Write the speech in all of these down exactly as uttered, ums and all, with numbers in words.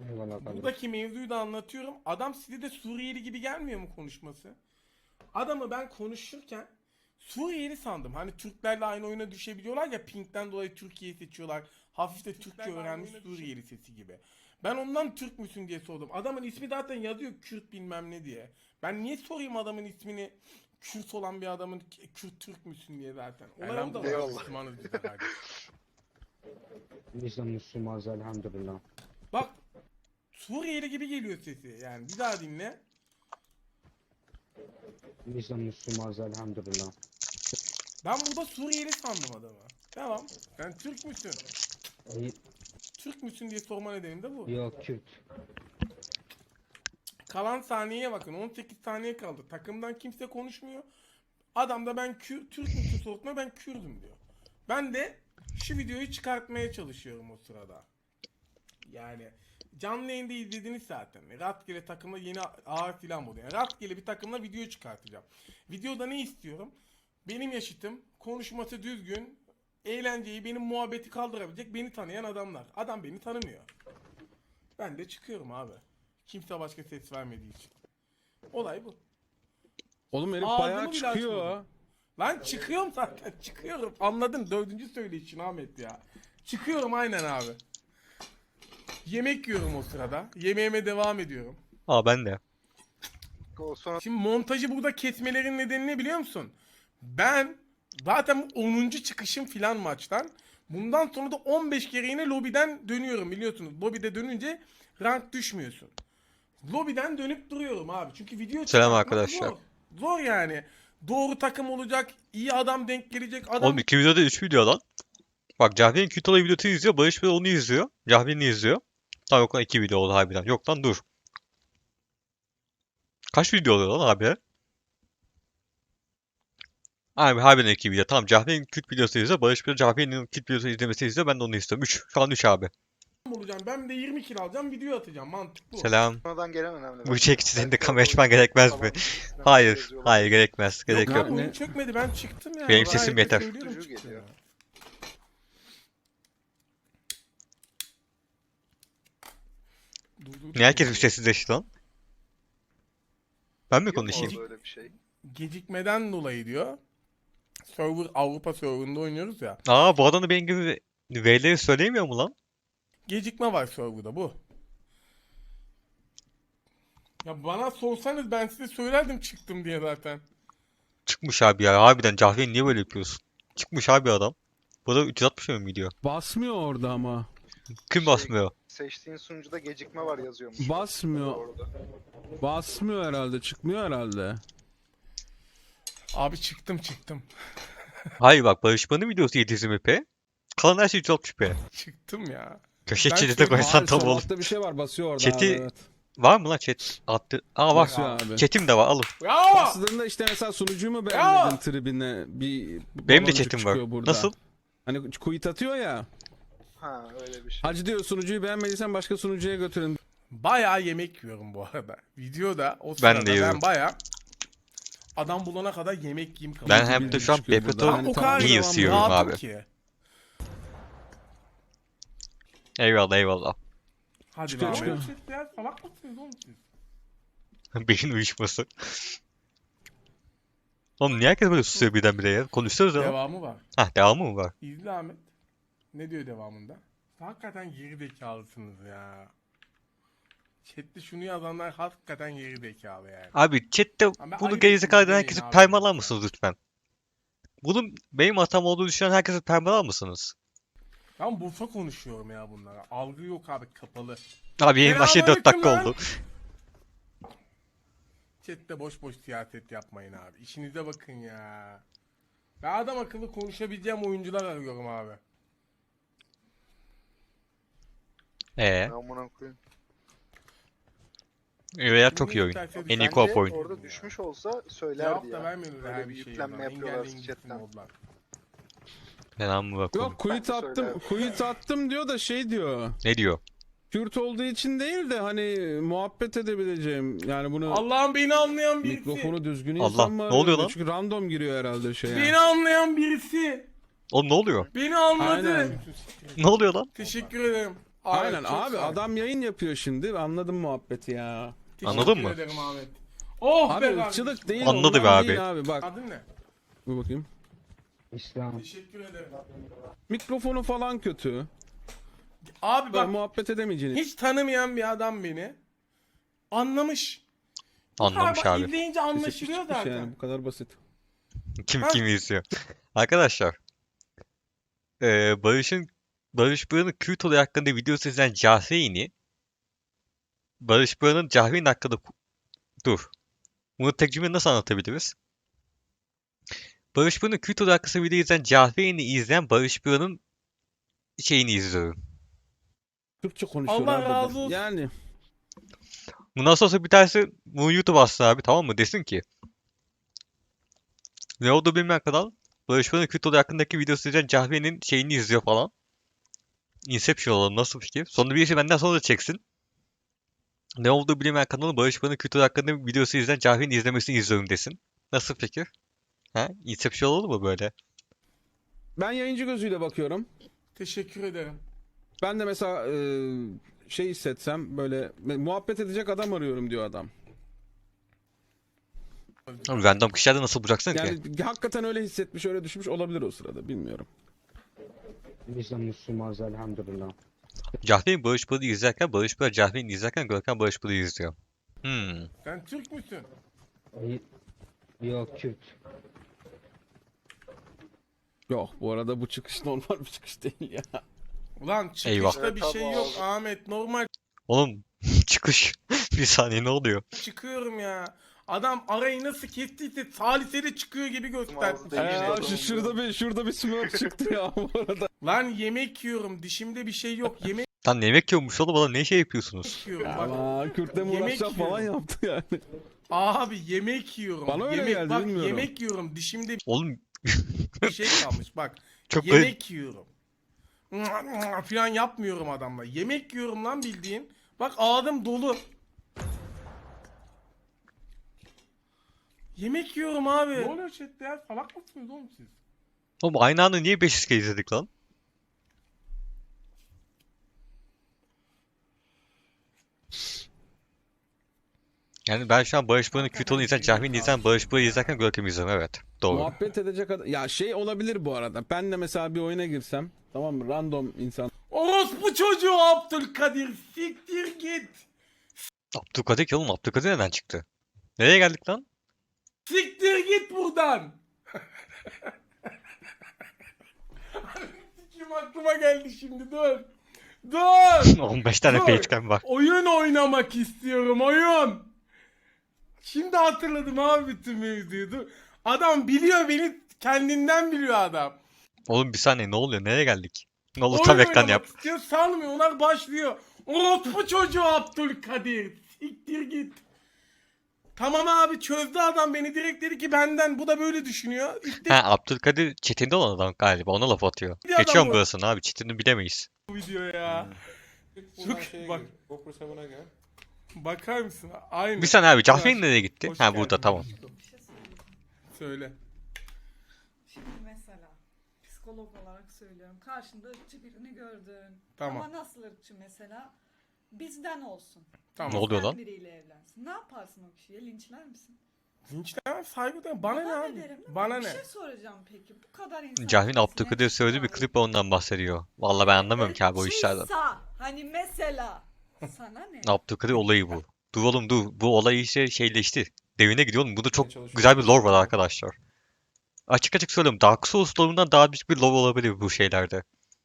Eyvallah kardeşim. Buradaki mevzuyu da anlatıyorum. Adam size de Suriyeli gibi gelmiyor mu konuşması? Adamı ben konuşurken Suriyeli sandım. Hani Türklerle aynı oyuna düşebiliyorlar ya, Pink'ten dolayı Türkiye'yi seçiyorlar. Hafif de Türkçe öğrenmiş Suriyeli sesi gibi. Ben ondan Türk müsün diye sordum. Adamın ismi zaten yazıyor Kürt bilmem ne diye. Ben niye sorayım adamın ismini, Kürt olan bir adamın Kürt Türk müsün diye zaten. Olay o da var. Müslümanız biz de kardeşim. Biz de Müslümanız elhamdülillah. Bak Suriyeli gibi geliyor sesi. Yani bir daha dinle. Biz de Müslümanız elhamdülillah. Ben burada Suriyeli sandım adamı. Tamam. Sen Türk müsün? İyi. Türk müsün diye sorma nedenim de bu. Yok Kürt. Kalan saniyeye bakın. on sekiz saniye kaldı. Takımdan kimse konuşmuyor. Adam da ben Kür, Türk müsün sorduğunda ben Kürdüm diyor. Ben de şu videoyu çıkartmaya çalışıyorum o sırada. Yani canlı yayında izlediniz zaten. Rastgele takımla yeni ağır filan buluyor. Yani rastgele bir takımla video çıkartacağım. Videoda ne istiyorum? Benim yaşıtım, konuşması düzgün, eğlenceyi, benim muhabbeti kaldırabilecek beni tanıyan adamlar. Adam beni tanımıyor. Ben de çıkıyorum abi. Kimse başka ses vermediği için. Olay bu. Oğlum herif Ağzımı bayağı bile çıkıyor. açmadım. Lan çıkıyorum zaten, çıkıyorum. Anladın, dördüncü söyleyişin Ahmet ya. Çıkıyorum aynen abi. Yemek yiyorum o sırada. Yemeğime devam ediyorum. Aa ben de. O sonra Şimdi montajı burada kesmelerin nedeni ne biliyor musun? Ben zaten onuncu çıkışım filan maçtan. Bundan sonra da on beş kere yine lobiden dönüyorum biliyorsunuz. Lobide dönünce rank düşmüyorsun. Lobiden dönüp duruyorum abi. Çünkü video Selam çıkartmak arkadaşlar. Zor. Zor yani. Doğru takım olacak, iyi adam denk gelecek adam. Oğlum iki videoda üç video lan. Bak Cahre'nin kötü olayı videosunu izliyor. Barış Bey onu izliyor. Cahre'ni izliyor. Tamam yok lan iki video oldu harbiden. Yok lan dur. Kaç video oluyor lan abi? Abi harbiden iki video. Tamam Cahre'nin Kürt videosu izliyor. Barış Bey Cahre'nin Kürt videosu izlemesi izliyor. Ben de onu istiyorum. üç. Şu an üç abi. olacağım. Ben de yirmi kill alacağım, video atacağım. Mantık bu. Selam. sonradan gelen önemli. Bu bence. çek senin de Belki kamera o açman gerekmez mi? falan sistemler Hayır. yazıyorlar. Hayır gerekmez. Gerek yok, yok. yok. Ne? Oyun çökmedi, ben çıktım ya. Benim Ben sesim herkese yeter. söylüyorum, Çocuğu çıktım geliyor. ya. Dur, dur, Niye herkes dur. bir sessizleşti lan? Ben mi Yok mu konuşayım? böyle bir şey? Gecikmeden dolayı diyor. Server Avrupa serverında oynuyoruz ya. Aa bu adam da benim gibi V'leri söyleyemiyor mu lan? Gecikme var serverda bu. Ya bana sorsanız ben size söylerdim çıktım diye zaten. Çıkmış abi ya. Harbiden Cahre'yi niye böyle yapıyorsun? Çıkmış abi adam. Bu da üç yüz altmış mi gidiyor? Basmıyor orada ama. Kim Şey- basmıyor? Seçtiğin sunucuda gecikme var yazıyormuş. Basmıyor. Orada. Basmıyor herhalde. Çıkmıyor herhalde. Abi çıktım çıktım. Hayır bak Barışman'ın videosu yedi yüz p. Kalan her şey üç yüz altmış p. Çıktım ya. Köşe Ben chat'e söyleyeyim, koysan Abi tam sol olur. altta bir şey var. Basıyor orada Chat'i- abi. Evet. Var mı lan chat? Attı. Aa var. Basıyor abi. Chat'im de var alın. Ya! Bastığında işte mesela sunucuyu mu beğenmedin tribine? Bir Benim de baloncuk chat'im var. çıkıyor burada. Nasıl? Hani quit atıyor ya. Ha öyle bir şey. Hacı diyor sunucuyu beğenmediysen başka sunucuya götürün. Bayağı yemek yiyorum bu arada. Videoda o sırada Ben de ben, yiyorum. bayağı adam bulana kadar yemek yiyeyim kalıyor. Ben Bilgi hem de bilgi şu an çıkıyor Bebeto burada. Ben Yani o tamam, kadar iyi devam yiyorum ediyor. rahatım abi. ki. Eyvallah eyvallah. Hadi Çıkıyor, be çıkıyor. Ahmet. Siz ya salak mısınız oğlum siz? Beyin uyuşması. Oğlum niye herkes böyle susuyor birdenbire ya? Konuşuyoruz ya. Devamı var. Hah devamı mı var? İzle Ahmet. Ne diyor devamında? Hakikaten geri zekalısınız ya. Chat'te şunu yazanlar hakikaten geri zekalı yani. Abi chatte Ama bunu ayıp gerizekalı eden demeyin herkesi abi permalar lütfen. mısınız lütfen? Bunun benim hatam olduğunu düşünen herkesi permalar mısınız? Ben Bursa konuşuyorum ya bunlara. Algı yok abi, kapalı. Abi yayın başladı dört dakika Selamünaleyküm oldu. Chat'te boş boş siyaset yapmayın abi. İşinize bakın ya. Ben adam akıllı konuşabileceğim oyuncular arıyorum abi. Eee? Amına koyayım. Veya çok iyi oyun. İsterse En iyi Bence co-op oyun. orada düşmüş olsa söylerdi Cevap ya. da vermiyorlar Böyle her bir bir şey. yüklenme yapıyorlar chatten. Fena mı bakalım? Yok quit Ben de attım. söylerim. Quit attım diyor da şey diyor. Ne diyor? Kürt olduğu için değil de hani muhabbet edebileceğim. Yani bunu Allah'ım beni anlayan birisi. mikrofonu düzgün Allah, insan mı ne oluyor arıyor? lan? Çünkü random giriyor herhalde şeye. Beni anlayan birisi. Oğlum ne oluyor? Beni anladı. Aynen. Ne oluyor lan? Teşekkür ederim. Ahmet, Aynen çok abi, sağ ol. adam yayın yapıyor şimdi. Anladım muhabbeti ya. Teşekkür Anladın mı? ederim Ahmet. Oh Abi be ırkçılık kardeşim. değil, Anladı ondan be abi. değil abi. Bak Adın ne? dur bakayım. İslam. Teşekkür ederim. Mikrofonu falan kötü. Abi Bak, bak muhabbet edemeyeceğini. hiç tanımayan bir adam beni anlamış. Anlamış Ha, bak, abi. izleyince anlaşılıyor Çıkmış zaten. yani, bu kadar basit. Kim Ha? kim izliyor. Arkadaşlar. Ee, Barış'ın Barış Buran'ın Kürt olayı hakkında videosu izleyen Cahreyn'i Barış Buran'ın Cahreyn hakkında dur. Bunu tek cümle nasıl anlatabiliriz? Barış Buran'ın Kürt olayı hakkında video izleyen Cahreyn'i izleyen Barış Buran'ın şeyini izliyorum. Türkçe konuşuyor Allah abi. razı olsun. Yani Bundan sonra bir tanesi bunu YouTube atsın abi, tamam mı? Desin ki ne oldu bilmeyen kanal Barış Buran'ın Kürt olayı hakkındaki videosu izleyen Cahreyn'in şeyini izliyor falan. Inception olalım, nasıl fikir? Sonra birisi benden sonra da çeksin. Ne olduğu bilinmeyen kanalı Barış Buran'ın Kürt olayı hakkında videosu izleyen Cahreyn'in izlemesini izliyorum desin. Nasıl fikir? Ha? Inception olur mu böyle? ben yayıncı gözüyle bakıyorum. Teşekkür ederim. Ben de mesela e, şey hissetsem böyle muhabbet edecek adam arıyorum diyor adam. Abi random kişilerde nasıl bulacaksın ki? Yani hakikaten öyle hissetmiş, öyle düşmüş olabilir o sırada, bilmiyorum. Biz de Müslümanız elhamdülillah. Cahreyn Barış Buran'ı izlerken, Barış Buran Cahreyn'i izlerken Görkem Barış Buran'ı izliyor. Hmm. Sen Türk müsün? İyi- Yok Kürt. Yok, bu arada bu çıkış normal bir çıkış değil ya. Ulan çıkışta Eyvah. bir şey yok Ahmet. Normal Oğlum çıkış. Bir saniye, ne oluyor? çıkıyorum ya. Adam arayı nasıl kestiyse saliseli çıkıyor gibi gösterdi. Ağzı değil. Ee, şu, şurada bir şurada bir smurf çıktı ya bu arada. Lan yemek yiyorum. Dişimde bir şey yok. Yemek Lan yemek yiyormuş oğlum, oğlum ne şey yapıyorsunuz? yiyorum. Bak. Ama Kürt'le mi Yemek uğraşacağım falan yiyorum. yaptı yani. Abi yemek yiyorum. Bana öyle yemek, geldi, bak, bilmiyorum. yemek yiyorum. Dişimde Oğlum bir şey kalmış. Bak. çok garip. yemek yiyorum. Falan yapmıyorum adamla. Yemek yiyorum lan bildiğin. Bak ağzım dolu. Yemek yiyorum abi. Ne oluyor chatte ya? Salak mısınız oğlum siz? Oğlum aynı anda niye beş yüz kere izledik lan? Yani ben şu an Barış Buran'ın Kürt olayını izlerken, Cahreyn'i izlerken, Barış Buran'ı izlerken Görkem'i izliyorum, evet. Doğru. Muhabbet edecek adam. Ya şey olabilir bu arada. Ben de mesela bir oyuna girsem, tamam mı? Random insan. Orospu çocuğu Abdülkadir. Siktir git. Abdülkadir ki oğlum, Abdülkadir neden çıktı? Nereye geldik lan? Siktir git buradan. Kim aklıma geldi şimdi dur. Dur. on beş tane Dur. facecam var. Oyun oynamak istiyorum oyun. Şimdi hatırladım abi bütün mevzuyu. Dur. Adam biliyor beni, kendinden biliyor adam. Oğlum bir saniye, ne oluyor? Nereye geldik? Ne olur Oyun tam ekran oynamak yap. istiyor, sanmıyorlar, başlıyor. Orospu çocuğu Abdülkadir. Siktir git. Tamam abi, çözdü adam beni, direkt dedi ki benden, bu da böyle düşünüyor. İşte Ha, Abdülkadir chatinde olan adam galiba, ona laf atıyor. Bir adam Geçiyorum bu. burasını abi, chatini bilemeyiz. bu video ya. Buradan Çok- şeye bak. gir, GoPro seven'e gel. Bakar mısın? Aynı. Bir saniye abi, Cahreyn Hoş- nereye gitti? hoş Ha burada, geldin tamam. aşkım. Söyle. Şimdi mesela psikolog olarak söylüyorum. Karşında ırkçı birini gördün. Tamam. Ama nasıl ırkçı mesela? Bizden olsun. Tamam. Ne oluyor Bizden lan? biriyle evlensin. Ne yaparsın o kişiye? Linçler misin? Linçlemem, saygı duyarım. Bana ne abi? derim, değil mi? Bana Bir ne? şey soracağım peki. Bu kadar insan. Cahreyn içerisine Abdülkadir söylediği bir çıkıyor. klip ondan bahsediyor. Vallahi ben anlamıyorum ki abi o işlerden. Irkçıysa, hani mesela sana ne? Abdülkadir olayı bu. Dur oğlum dur. Bu olay işte şeyleşti. Devine gidiyor oğlum. Burada çok güzel bir lore var arkadaşlar. Açık açık söylüyorum. Dark Souls lore'undan daha büyük bir lore olabilir bu şeylerde.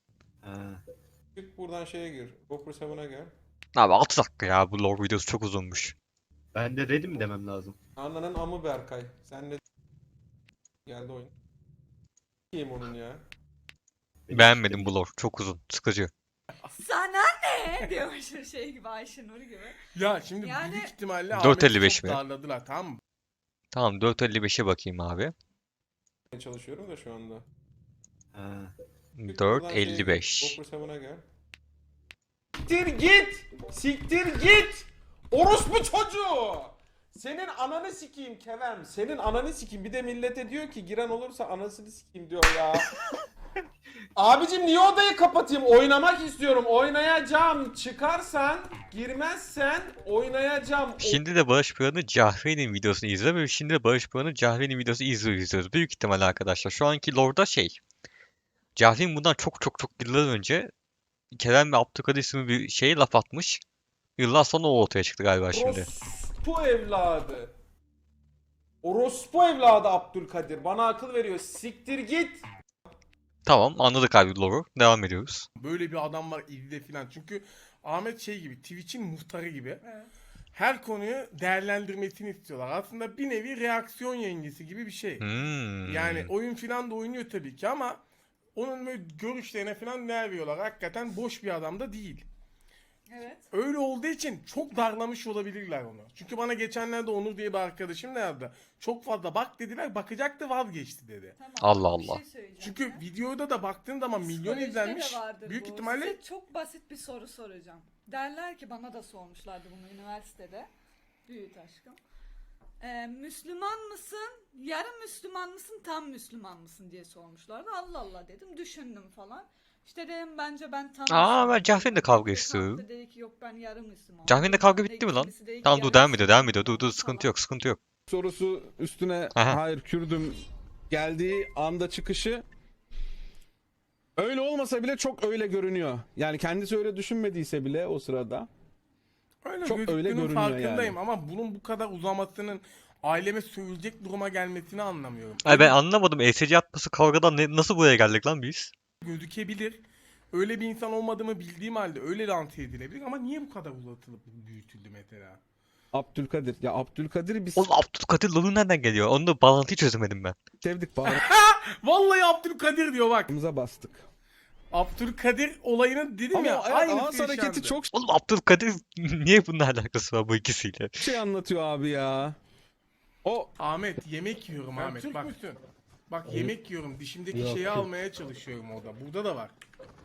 Çık buradan şeye gir. GoPro seven'e gel. Abi altı dakika ya, bu lore videosu çok uzunmuş. Ben de ready mi demem lazım? Ananın amı Berkay. Sen de geldi oyun. Kim onun ya? Beğenmedim bu lore. Çok uzun. Sıkıcı. Sana ne? Diyormuş şey gibi, Ayşenur gibi. Ya şimdi Yani- büyük ihtimalle dört Ahmet'i elli beş çok mi? darladılar, tamam mı? Tamam, dört elli beşe bakayım abi. Çalışıyorum da şu anda. Ha. dört elli beş. GoPro seven'e gel. Siktir git! Siktir git! Orospu çocuğu! Senin ananı sikeyim Kevem. Senin ananı sikeyim. Bir de millete diyor ki giren olursa anasını sikeyim diyor ya. Abicim niye odayı kapatayım? Oynamak istiyorum. Oynayacağım. Çıkarsan, girmezsen oynayacağım. O- Şimdi de Barış Pıra'nın Cahre'nin videosunu izliyor ve şimdi de Barış Pıra'nın Cahre'nin videosu izliyor izliyoruz. Büyük ihtimalle arkadaşlar. Şu anki lore'da şey. Cahre'nin bundan çok çok çok yıllar önce Kerem ve Abdülkadir isimli bir şeye laf atmış. Yıllar sonra o ortaya çıktı galiba şimdi. Orospu evladı. Orospu evladı Abdülkadir. Bana akıl veriyor. Siktir git. Tamam anladık abi lore'u. Devam ediyoruz. Böyle bir adam var izle filan. Çünkü Ahmet şey gibi, Twitch'in muhtarı gibi. Evet. Her konuyu değerlendirmesini istiyorlar. Aslında bir nevi reaksiyon yengesi gibi bir şey. Hmm. Yani oyun filan da oynuyor tabii ki ama onun böyle görüşlerine filan değer veriyorlar. Hakikaten boş bir adam da değil. Evet. Öyle olduğu için çok darlamış olabilirler onu. Çünkü bana geçenlerde Onur diye bir arkadaşım da yazdı. Çok fazla bak dediler, bakacaktı vazgeçti dedi. Tamam. Allah bir Allah. şey söyleyeceğim Çünkü ya. videoda da baktığın zaman milyon Psikolojide de izlenmiş. vardır Büyük bu. ihtimalle Size çok basit bir soru soracağım. Derler ki bana da sormuşlardı bunu üniversitede. Büyük aşkım. Ee, Müslüman mısın? Yarım Müslüman mısın? Tam Müslüman mısın diye sormuşlardı. Allah Allah dedim. Düşündüm falan. İşte dedim bence ben tam Aa, Müslümanım ben Cahre'nin de dedim. kavga Birisi istiyorum. kalktı dedi ki yok ben yarım Müslümanım. Cahre'nin kavga Bilmem ne, bitti mi lan? kimisi dedi ki Tamam dur yarım devam ediyor devam ediyor. Müslümanım Dur dur falan. sıkıntı yok sıkıntı yok. Sorusu üstüne Aha. hayır Kürdüm geldiği anda çıkışı öyle olmasa bile çok öyle görünüyor. Yani kendisi öyle düşünmediyse bile o sırada. öyle Çok öyle gözüktüğünün görünüyor farkındayım yani. ama bunun bu kadar uzamasının aileme sövülecek duruma gelmesini anlamıyorum. Ay ben Öyle anlamadım. E S C atması kavgadan ne, nasıl buraya geldik lan biz? gözükebilir. Öyle bir insan olmadığımı bildiğim halde öyle lanse edilebilir ama niye bu kadar uzatılıp büyütüldü mesela? Abdülkadir. Ya Abdülkadir'i biz Oğlum Abdülkadir Lolu nereden geliyor? Onu da bağlantıyı çözemedim ben. sevdik, Vallahi Abdülkadir diyor bak. bağrımıza bastık. Abdülkadir olayını dedim Ama ya o aynısı ağız hareketi yaşandı. çok Oğlum Abdülkadir niye bunun alakası var bu ikisiyle? şey anlatıyor abi ya. O Ahmet yemek yiyorum Sen Ahmet Türk bak. müsün? Bak yemek yiyorum dişimdeki Yok, şeyi Kürt. almaya çalışıyorum orada. Burada da var.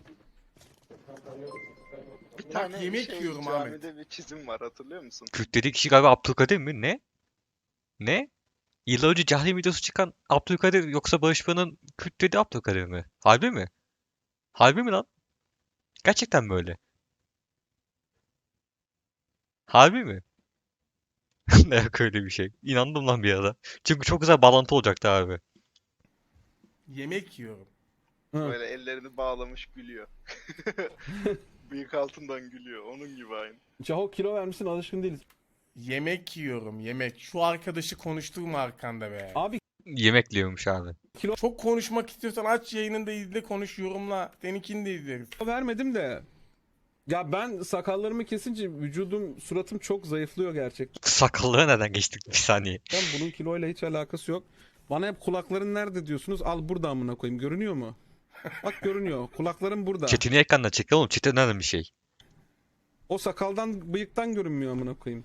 Bir Bak, tane yemek şey, yiyorum camide Ahmet. bir çizim var, hatırlıyor musun? Kürt dediği kişi galiba Abdülkadir mi? Ne? Ne? Yıllar önce Cahil videosu çıkan Abdülkadir yoksa Barış Pıra'nın Kürt dediği Abdülkadir mi? Harbi mi? Harbi mi lan? Gerçekten mi öyle? Harbi mi? Ne yok öyle bir şey. İnandım lan bir ara. Çünkü çok güzel bağlantı olacaktı abi. Yemek yiyorum. Hı. Böyle ellerini bağlamış gülüyor. Bıyık altından gülüyor. Onun gibi aynı. Caho kilo vermişsin, alışkın değiliz. Yemek yiyorum yemek. Şu arkadaşı konuşturma arkanda be. Abi Yemek yiyormuş abi. Çok konuşmak istiyorsan aç yayınını da izle konuş yorumla. Seninkini de izleriz. kilo vermedim de. Ya ben sakallarımı kesince vücudum, suratım çok zayıflıyor gerçekten. Sakallığa neden geçtik bir saniye? Bunun kiloyla hiç alakası yok. Bana hep kulakların nerede diyorsunuz. Al burada amına koyayım. Görünüyor mu? Bak görünüyor. Kulaklarım burada. Çetini ekranına çek oğlum. Çetin önemli bir şey. O sakaldan, bıyıktan görünmüyor amına koyayım.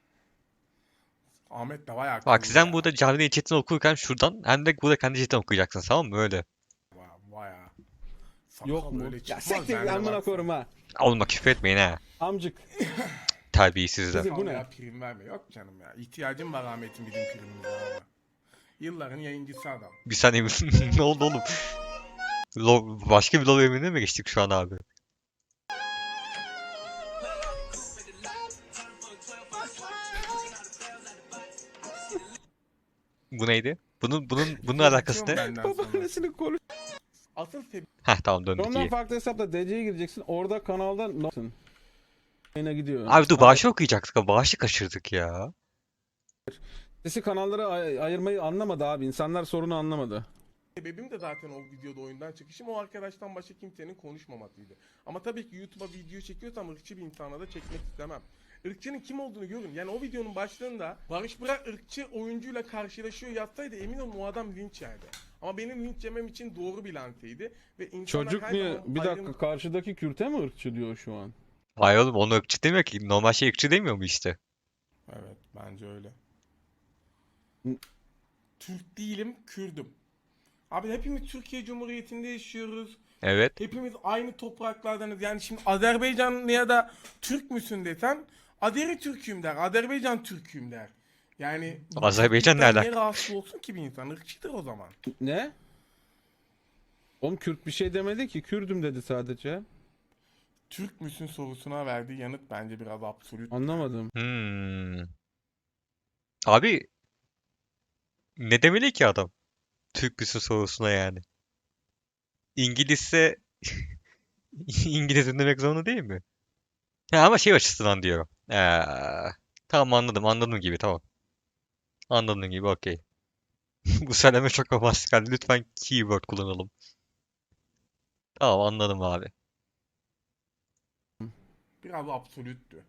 Ahmet de bayağı Bak akıllı sen ya. burada Cahil'in chatini okurken şuradan hem de burada kendi chatini okuyacaksın tamam mı? Öyle. Ba- Bayağı. Sakal Yok mu? öyle Ya çıkmaz sektir yani amına baksana. koyarım ha. Oğlum küfür etmeyin ha. Amcık. Terbiyesizler. Bizi- bu ne? Vallahi prim verme. Yok canım ya. İhtiyacım var Ahmet'in bizim primimize ama. Yılların yayıncısı adam. Bir saniye ne oldu oğlum? Lo başka bir lol emrine mi geçtik şu an abi? Bu neydi? Bunun bunun bunun alakası ne? Benden sonra. Babaannesini konuş. Asıl sebebi Heh tamam döndük Ondan iyi. farklı hesapla D C'ye gireceksin. Orada kanalda ne yapsın? Yayına gidiyor. Abi dur bağışı okuyacaktık ama bağışı kaçırdık ya. Sesi kanallara ay- ayırmayı anlamadı abi. İnsanlar sorunu anlamadı. sebebim de zaten o videoda oyundan çıkışım o arkadaştan başka kimsenin konuşmamasıydı. Ama tabii ki YouTube'a video çekiyorsam ırkçı bir insana da çekmek istemem. Irkçının kim olduğunu görün. Yani o videonun başlığında Barış Bırak ırkçı oyuncuyla karşılaşıyor yazsaydı emin olun o adam linç yerdi. Ama benim linç yemem için doğru bir lanseydi. Ve insanlar Çocuk her niye? zaman Bir dakika, ayrım- karşıdaki Kürt'e mi ırkçı diyor şu an? Hayır oğlum onu ırkçı demiyor ki. Normal şey ırkçı demiyor mu işte? Evet bence öyle. Hı. Türk değilim, Kürdüm. Abi hepimiz Türkiye Cumhuriyeti'nde yaşıyoruz. Evet. Hepimiz aynı topraklardanız. Yani şimdi Azerbaycanlıya da Türk müsün desen Azeri Türk'üm der. Azerbaycan Türk'üm der. Yani Azerbaycan ne Türk'ten alaka? niye rahatsız olsun ki bir insan? Irkçıdır o zaman. Ne? Oğlum Kürt bir şey demedi ki. Kürdüm dedi sadece. Türk müsün sorusuna verdiği yanıt bence biraz absolut. Anlamadım. Hmm. Abi ne demeli ki adam? Türk müsün sorusuna yani. İngilizse İngilizce demek zorunda değil mi? Ha, ama şey açısından diyorum. Ee, tamam anladım anladım gibi tamam. Anladığın gibi okey. Bu söyleme çok romantik geldi. Lütfen keyword kullanalım. Tamam anladım abi. Biraz absoluttü.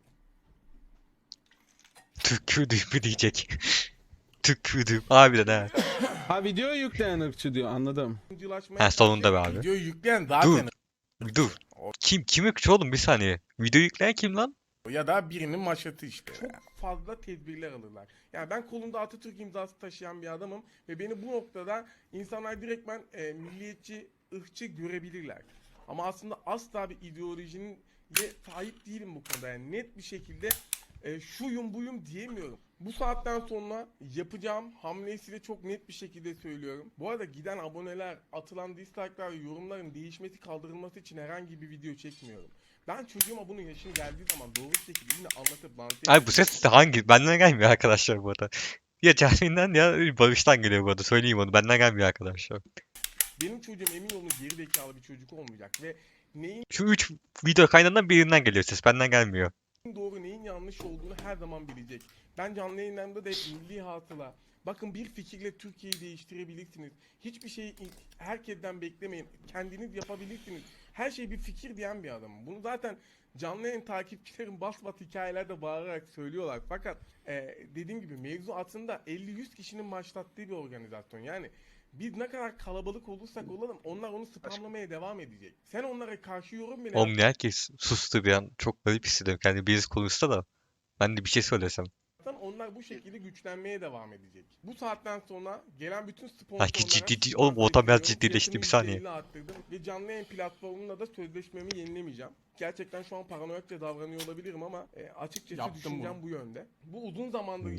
Türk Kürdü mü diyecek. Türk Kürdü. Harbiden ha. Ha videoyu yükleyen ırkçı diyor. Anladım. Yıncılaşmaya Ha, sonunda be abi. Videoyu yükleyen zaten Dur. Kim kim ırkçı oğlum bir saniye. Video yükleyen kim lan? ya da birinin maşatı işte. Çok fazla tedbirler alırlar. Yani ben kolumda Atatürk imzası taşıyan bir adamım ve beni bu noktada insanlar direktmen e, milliyetçi, ırkçı görebilirler. Ama aslında asla bir ideolojinin ye sahip değilim bu konuda. Yani net bir şekilde e, şuyum buyum diyemiyorum. Bu saatten sonra yapacağım hamleyi size çok net bir şekilde söylüyorum. Bu arada giden aboneler, atılan dislike'lar ve yorumların değişmesi, kaldırılması için herhangi bir video çekmiyorum. Ben çocuğuma bunun yaşını geldiği zaman doğru bir şekilde yine anlatıp lanse Ay bu ses de hangi? Benden gelmiyor arkadaşlar bu arada. Ya Cahreyn'den ya Barış'tan geliyor bu arada. Söyleyeyim onu. Benden gelmiyor arkadaşlar. benim çocuğum emin olun geri zekalı bir çocuk olmayacak ve neyin Şu üç video kaynağından birinden geliyor ses. Benden gelmiyor. doğru neyin yanlış olduğunu her zaman bilecek. Ben canlı yayınlarımda da hep milli hatıla. Bakın bir fikirle Türkiye'yi değiştirebilirsiniz. Hiçbir şeyi herkesten beklemeyin. Kendiniz yapabilirsiniz. Her şey bir fikir diyen bir adamım. Bunu zaten canlı yayın takipçilerim bas bas hikayelerde bağırarak söylüyorlar. Fakat e, dediğim gibi mevzu aslında elli yüz kişinin başlattığı bir organizasyon. Yani biz ne kadar kalabalık olursak olalım onlar onu spamlamaya devam edecek. Sen onlara karşı yorum bile Oğlum ne herkes sustu bir an. Çok garip hissediyorum. Kendi birisi konuşsa da. Ben de bir şey söylesem. yapsan onlar bu şekilde güçlenmeye devam edecek. Bu saatten sonra gelen bütün sponsorlara... Belki ciddi ciddi. Oğlum ortam biraz ciddileşti bir saniye. Fiyatını yüzde elli arttırdım ve canlı yayın platformunda da sözleşmemi yenilemeyeceğim. Gerçekten şu an paranoyakça davranıyor olabilirim ama e, açıkçası Yaptım düşüncem bu yönde. Bu uzun zamandır...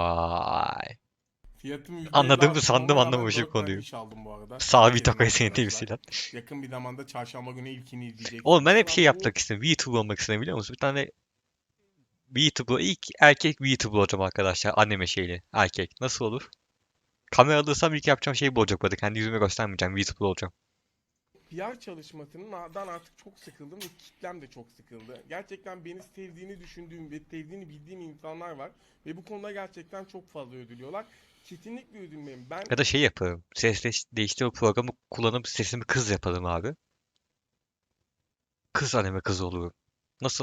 Vay. Fiyatımı yüzde elli Anladığımı arttırdım sandım, ama ben anlamamışım dört tane konuyu. iş aldım bu arada. Sağ bir Gelin takoya seni arkadaşlar. temsilen. Yakın bir zamanda çarşamba günü ilkini izleyeceksiniz. Oğlum ben hep şey Ama bu- yapmak istedim. VTuber olmak istedim biliyor musun? Bir tane VTuber, ilk erkek VTuber olacağım arkadaşlar. Anime şeyli. Erkek. Nasıl olur? Kamera alırsam ilk yapacağım şey bu olacak bu arada. Kendi yüzümü göstermeyeceğim. VTuber olacağım. P R çalışmasından artık çok sıkıldım ve kitlem de çok sıkıldı. Gerçekten beni sevdiğini düşündüğüm ve sevdiğini bildiğim insanlar var. Ve bu konuda gerçekten çok fazla ödülüyorlar. Kesinlikle ödülmeyim. Ben Ya da şey yaparım. Ses değiş- değiştirme programı kullanıp sesimi kız yaparım abi. Kız anime kızı olurum. Nasıl?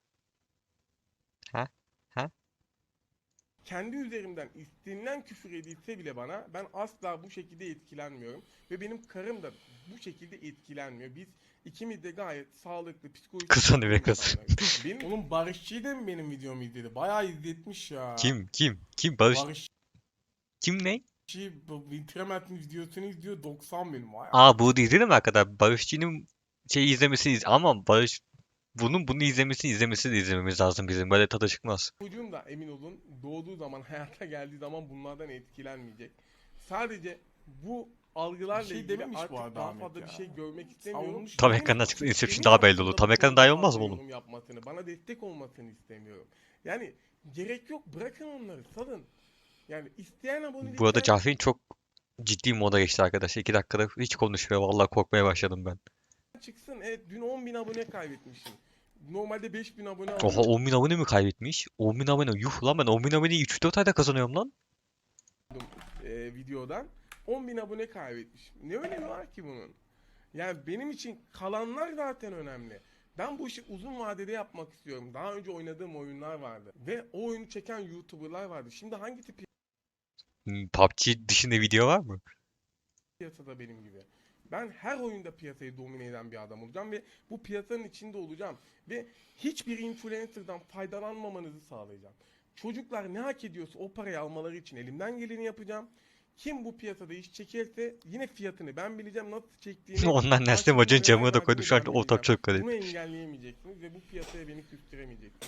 Ha? Ha? kendi üzerimden istenilen küfür edilse bile bana ben asla bu şekilde etkilenmiyorum. Ve benim karım da bu şekilde etkilenmiyor. Biz ikimiz de gayet sağlıklı, psikolojik... Kız anime kız. insanlarız. Benim, oğlum Barışçı da mı benim videomu izledi? Bayağı izletmiş ya. Kim? Kim? Kim? Barış? Barışçı Kim ne? bu Wintermat'ın videosunu izliyor doksan bin. Vay Aa bu değil mi arkadaşlar? Barışçı'nın şey izlemesini iz ama Barış bunun bunu izlemesini izlemesini de izlememiz lazım bizim. Böyle tadı çıkmaz. Çocuğum da emin olun doğduğu zaman hayata geldiği zaman bunlardan etkilenmeyecek. Sadece bu algılarla Bir şey ilgili dememiş bu artık arada daha Ahmet fazla ya. bir şey görmek istemiyorum. Savunmuş. Tam Benim- ekrandan çıktı. Inception benim daha belli olur. hakkımda Tam bu ekrandan konuda daha iyi olmaz mı fazla oğlum? yorum yapmasını, bana destek olmasını istemiyorum. Yani gerek yok bırakın onları salın. Yani isteyen abonelikler... Bu arada Cahreyn çok ciddi moda geçti arkadaşlar. İki dakikada hiç konuşmuyor. Vallahi korkmaya başladım ben. çıksın. Evet dün on bin abone kaybetmişim. Normalde beş bin abone Oha alıyordum on bin abone mi kaybetmiş? on bin abone. Yuh lan ben on bin aboneyi üç dört ayda kazanıyorum lan. e, videodan. on bin abone kaybetmişim. Ne önemi var ki bunun? Yani benim için kalanlar zaten önemli. Ben bu işi uzun vadede yapmak istiyorum. Daha önce oynadığım oyunlar vardı. Ve o oyunu çeken YouTuber'lar vardı. Şimdi hangi tip Hmm, P U B G dışında video var mı? piyasada benim gibi? Ben her oyunda piyasayı domine eden bir adam olacağım ve bu piyasanın içinde olacağım. Ve hiçbir influencer'dan faydalanmamanızı sağlayacağım. Çocuklar ne hak ediyorsa o parayı almaları için elimden geleni yapacağım. Kim bu piyasada iş çekerse yine fiyatını ben bileceğim, nasıl çektiğini. Ondan kaç Neslim bin Hoca'nın liraya camına da verdiğini koydu şu ben anda ortam bileceğim. çok garip. Bunu engelleyemeyeceksiniz ve bu piyasaya beni küstüremeyeceksiniz.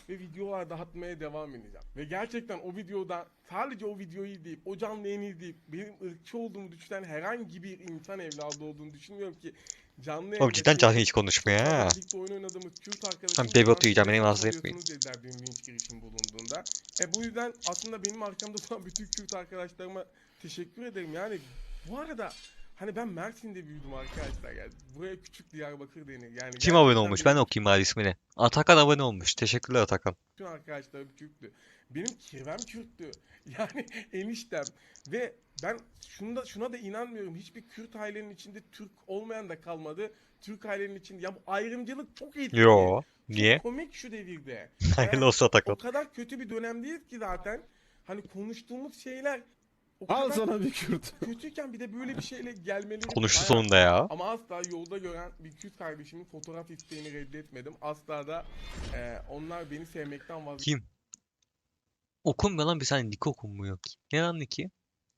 ve videolar dağıtmaya devam edeceğim. Ve gerçekten o videoda sadece o videoyu izleyip, o canlı yayını izleyip benim ırkçı olduğumu düşünen herhangi bir insan evladı olduğunu düşünmüyorum ki canlı Oğlum yayında cidden Cahil hiç çok konuşmuyor fazla ha. birlikte oyun oynadığımız Kürt arkadaşım Ben baby otu yiyeceğim, benim ağzına oluyorsunuz yapmayın. dediler benim linç girişim bulunduğunda. E bu yüzden aslında benim arkamda duran bütün Kürt arkadaşlarıma teşekkür ederim. Yani bu arada hani ben Mersin'de büyüdüm arkadaşlar, yani buraya küçük Diyarbakır denir. Yani Kim abone gerçekten olmuş? benim Ben okuyayım bari ismini. Atakan abone olmuş. Teşekkürler Atakan. bütün arkadaşlarım Kürttü. Benim kirvem Kürttü. Yani eniştem. Ve ben şunda, şuna da inanmıyorum. Hiçbir Kürt ailenin içinde Türk olmayan da kalmadı. Türk ailenin içinde. Ya bu ayrımcılık çok etkili. Yo. Çok Niye? komik şu devirde. Hayırlı Yani olsun o Atakan. kadar kötü bir dönemdeyiz ki zaten. Hani konuştuğumuz şeyler o Al kadar sana bir Kürt. kötüyken bir de böyle bir şeyle gelmeleri Konuştu bayağı- sonunda ya. Ama asla yolda gören bir Kürt kardeşimin fotoğraf isteğini reddetmedim. Asla da e, onlar beni sevmekten vazgeçmedi. Kim? Okunmuyor lan, bir saniye Nick okunmuyor ki. Ne lan Nick'i?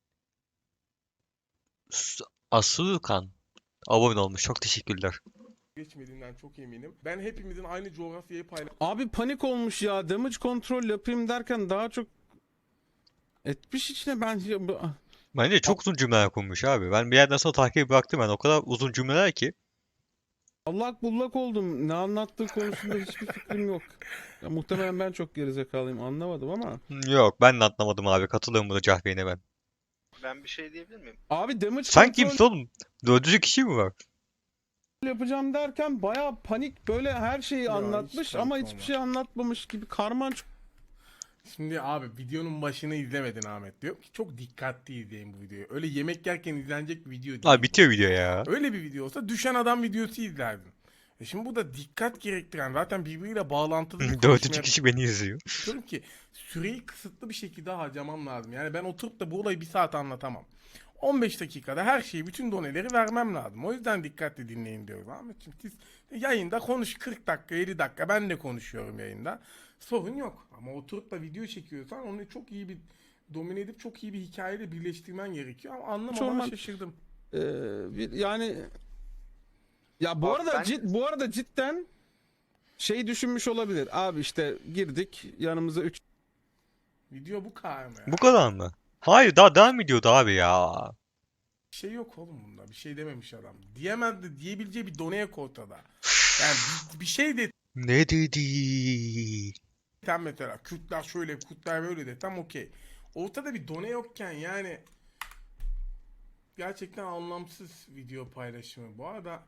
S- Asukan abone olmuş. Çok teşekkürler. geçmediğinden çok eminim. Ben hepimizin aynı coğrafyayı Abi panik olmuş ya. Damage kontrol yapayım derken daha çok etmiş içine ben. Bence çok uzun cümleler kurmuş abi. Ben bir yerden sonra takibi bıraktım ben. O kadar uzun cümleler ki. Allak bullak oldum. Ne anlattığı konusunda hiçbir fikrim yok. Ya, muhtemelen ben çok gerizekalıyım, anlamadım ama. Yok, ben de anlamadım abi. Katılıyorum burada Cahreyn'e ben. Ben bir şey diyebilir miyim? Abi damage Sen kontrol kimsin oğlum? Dördüncü kişi mi var? yapacağım derken bayağı panik, böyle her şeyi Ya, anlatmış hiç ama panik hiçbir olma. şey anlatmamış gibi karman çok. Şimdi abi videonun başını izlemedin Ahmet, diyor ki çok dikkatli izleyin bu videoyu. Öyle yemek yerken izlenecek bir video değil. Abi bu. bitiyor video ya. Öyle bir video olsa düşen adam videosu izlerdin. E şimdi bu da dikkat gerektiren, zaten birbiriyle bağlantılı bir Dördüncü konuşmaya kişi beni izliyor. diyorum ki süreyi kısıtlı bir şekilde harcamam lazım. Yani ben oturup da bu olayı bir saat anlatamam. on beş dakikada her şeyi, bütün doneleri vermem lazım. O yüzden dikkatli dinleyin diyorum Ahmetciğim. Siz yayında konuş kırk dakika, elli dakika, ben de konuşuyorum yayında. Sorun yok. Ama oturup da video çekiyorsan onu çok iyi bir domine edip çok iyi bir hikayeyle birleştirmen gerekiyor. Ama anlamama Çorman- şaşırdım. Ee, bir, yani ya bu Abi arada ben- cid, bu arada cidden şey düşünmüş olabilir. Abi işte girdik, yanımıza üç Video bu kadar mı ya? Bu kadar mı? Hayır, daha devam ediyordu abi ya. Bir şey yok oğlum bunda. Bir şey dememiş adam. Diyemezdi. Diyebileceği bir done yok ortada. Yani bir, bir şey de Ne dedi? tam mesela Kürtler şöyle, Kürtler böyle de tam okey. Ortada bir done yokken yani gerçekten anlamsız video paylaşımı. Bu arada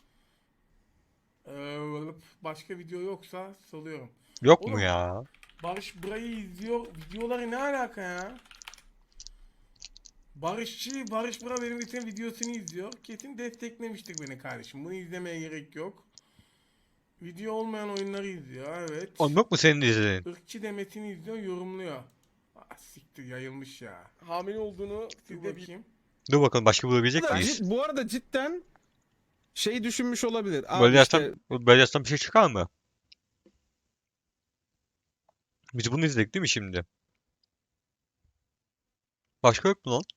eee, başka video yoksa salıyorum. Yok mu Oğlum, ya? Barış burayı izliyor. Videoları ne alaka ya? Barışçı, Barış Bura benim geçen videosunu izliyor. Kesin desteklemiştir beni kardeşim. Bunu izlemeye gerek yok. Video olmayan oyunları izliyor, evet. Oğlum yok mu senin de izlediğin? Irkçı demesini izliyor, yorumluyor. Ah siktir, yayılmış ya. Hamile olduğunu siz de bakayım. Dur bakalım, başka bulabilecek Bu arada miyiz? cid- bu arada cidden şey düşünmüş olabilir. Abi Böyle işte yazsam, böyle yazsam bir şey çıkar mı? Biz bunu izledik değil mi şimdi? Başka yok mu lan?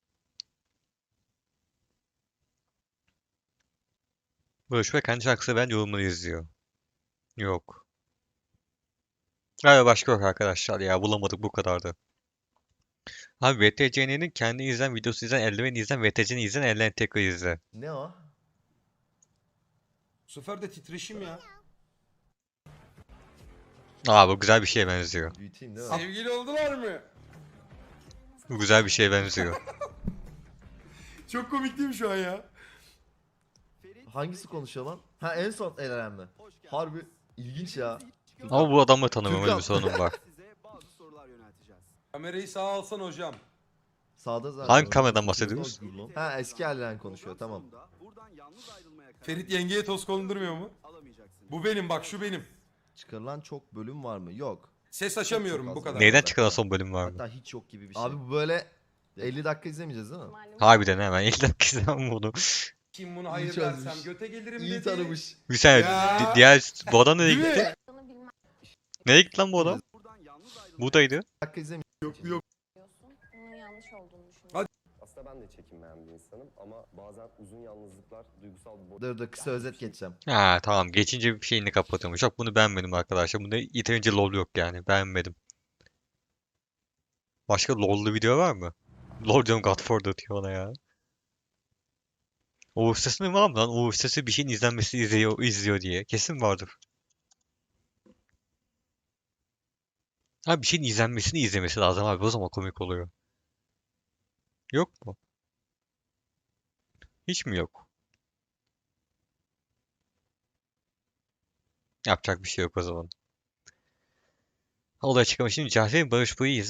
Barış ve kendi şarkısı ben yorumları izliyor. Yok. Galiba başka yok arkadaşlar ya, bulamadık, bu kadardı. Abi V T C N'nin kendi izlen, videosu izlen, eldiven izlen, V T C'ni izlen, eldiven tekrar izle. Ne o? Bu sefer de titreşim ya. Aa, bu güzel bir şeye benziyor. Büyüteyim değil mi? Sevgili oldular mı? Bu güzel bir şeye benziyor. Çok komik değil mi şu an ya? Hangisi konuşuyor lan? Ha, en son el alem mi? Harbi ilginç ya. Ama bu adamı tanımıyorum, öyle bir Türkan. sorunum var. Kamerayı sağa alsan hocam. Sağda zaten. Hangi kameradan bahsediyoruz? Ha, eski el alem konuşuyor, tamam. Ferit yengeye toz kondurmuyor mu? Bu benim, bak şu benim. Çıkarılan çok bölüm var mı? Yok. Ses açamıyorum Çok bu az kadar. var. Neyden çıkan son bölüm var mı? Hatta hiç yok gibi bir şey. Abi bu böyle elli dakika izlemeyeceğiz değil mi? Harbiden hemen ilk dakika izlemem bunu. Kim bunu hayır İyi çözmüş. dersem göte gelirim İyi dedi. tanımış. Bir saniye, Ya. di- diğer bu adam nereye Değil mi? gitti? Nereye gitti lan bu adam? Buradaydı. dakika izlemeyeceğiz. Yok yok. Bunun yanlış olduğunu düşünüyorum. Hadi. Aslında ben de çekinmeyen bir insanım ama bazen uzun yalnızlıklar duygusal bir Dur dur kısa özet geçeceğim. Ha tamam, geçince bir şeyini kapatıyormuş. Yok, bunu beğenmedim arkadaşlar. Bunda yeterince lol yok yani. Beğenmedim. Başka lol'lu video var mı? Lol diyorum, Godfather diyor ona ya. Uğur Sesi mi var mı lan? Uğur Sesi bir şeyin izlenmesi izliyor, izliyor diye. Kesin vardır. Abi bir şeyin izlenmesini izlemesi lazım abi. O zaman komik oluyor. Yok mu? Hiç mi yok? Yapacak bir şey yok o zaman. Olay çıkmış. Şimdi Cahre'nin Barış Buy'u